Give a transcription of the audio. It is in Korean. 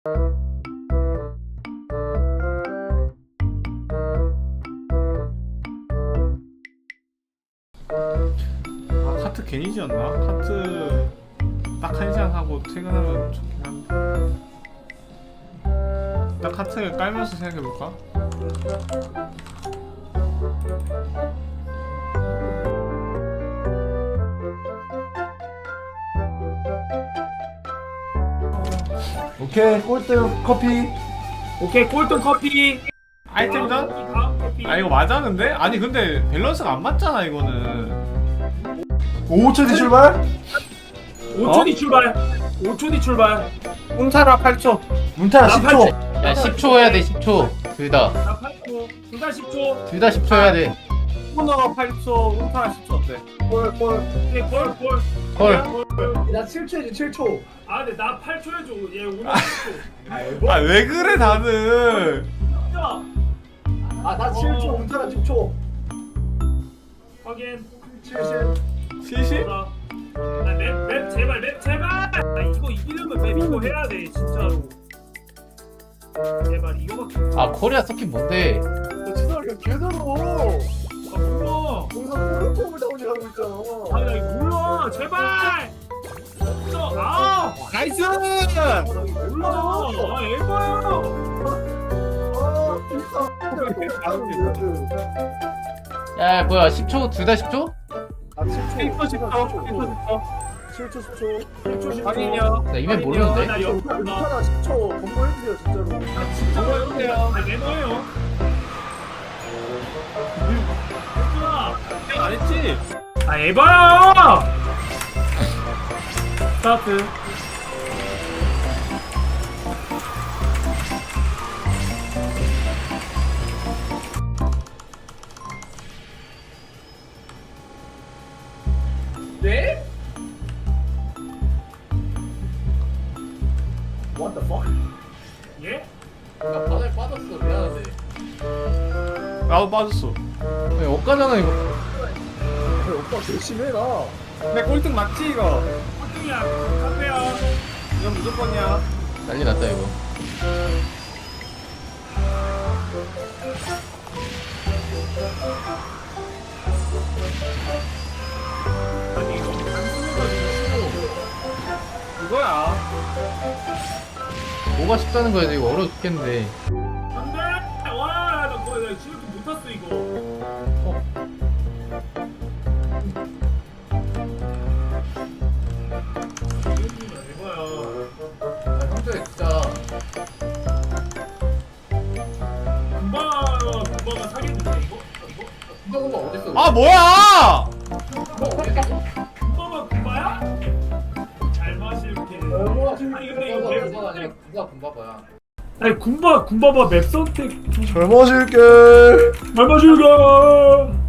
아, 카트 괜히 지었나? 카트 딱 1시간 하고 퇴근하면 좋긴 한데. 딱 카트 깔면서 생각해볼까? 오케이, 꼴등 커피. 오케이, 꼴등 커피. 아이템전? 다음 커피. 아 이거 맞아 근데? 아니 근데 밸런스가 안 맞잖아 이거는. 5초 뒤 출발. 5초 뒤 출발. 5초 뒤 출발. 운타라 8초. 문타라 나 10초. 야 10초 해야 돼 10초 둘 다. 나 8초. 둘 다 10초. 둘 다 10초 해야 돼. 코너 8초, 운타라 10초 어때? 오케이, 꼴. 헐. 나 7초지 7초. 아, 근데 나 8초 해줘. 얘 오늘 10초. 아 왜 그래 다들? 진짜. 나 7초, 문타라 10초. 확인. 70. 시시? 아, 맵 제발, 맵 제발. 아, 이거 이기려면 맵 이거 해야 돼, 진짜로. 제발 이거밖에. 아 코리아 서킷 뭔데? 지성이가 개더러. 아, 몰라. 거기서 뽀글뽀글 다운이 하고 있잖아. 아, 나 이거 몰라. 제발. 진짜. 아, 나이스! 몰라. 아, 에바야. 야 뭐야 10초 둘 다 10초? 아 7초 10초 7초 10초. 확인이요. 나 이메일 모르는데. 나 옆으로 나. 문타라 10초 공부해주세요 진짜로. 진짜 해볼게요. 아, 매너예요. 했구나. 안 했지? 아, 에바야. 스타트. 네? What the fuck? 예? 나 바다에 빠졌어 미안한데. 나도 빠졌어. 왜 엇가잖아 이거. 오빠 열심히 해라. 근데 꼴등 맞지 이거? 꼴등이야. 카페야. 이건 무조건이야. 난리 났다 이거. 아니, 이거 단순해가지고 이거야. 뭐가 쉽다는 거야 이거 어려워 죽겠는데. 안 돼! 와, 나 거의 나 지금 못 탔어, 이거. 이거야. 야 형들 진짜. 금바가 사겠는데, 이거? 금방 어딨어? 아 뭐야! 금바야? 잘 마실게. 아니, 근데 이거 맵 선택. 누가 금바바야? 아니, 군바바 맵 선택 좀 젊어질게. 잘 마실게.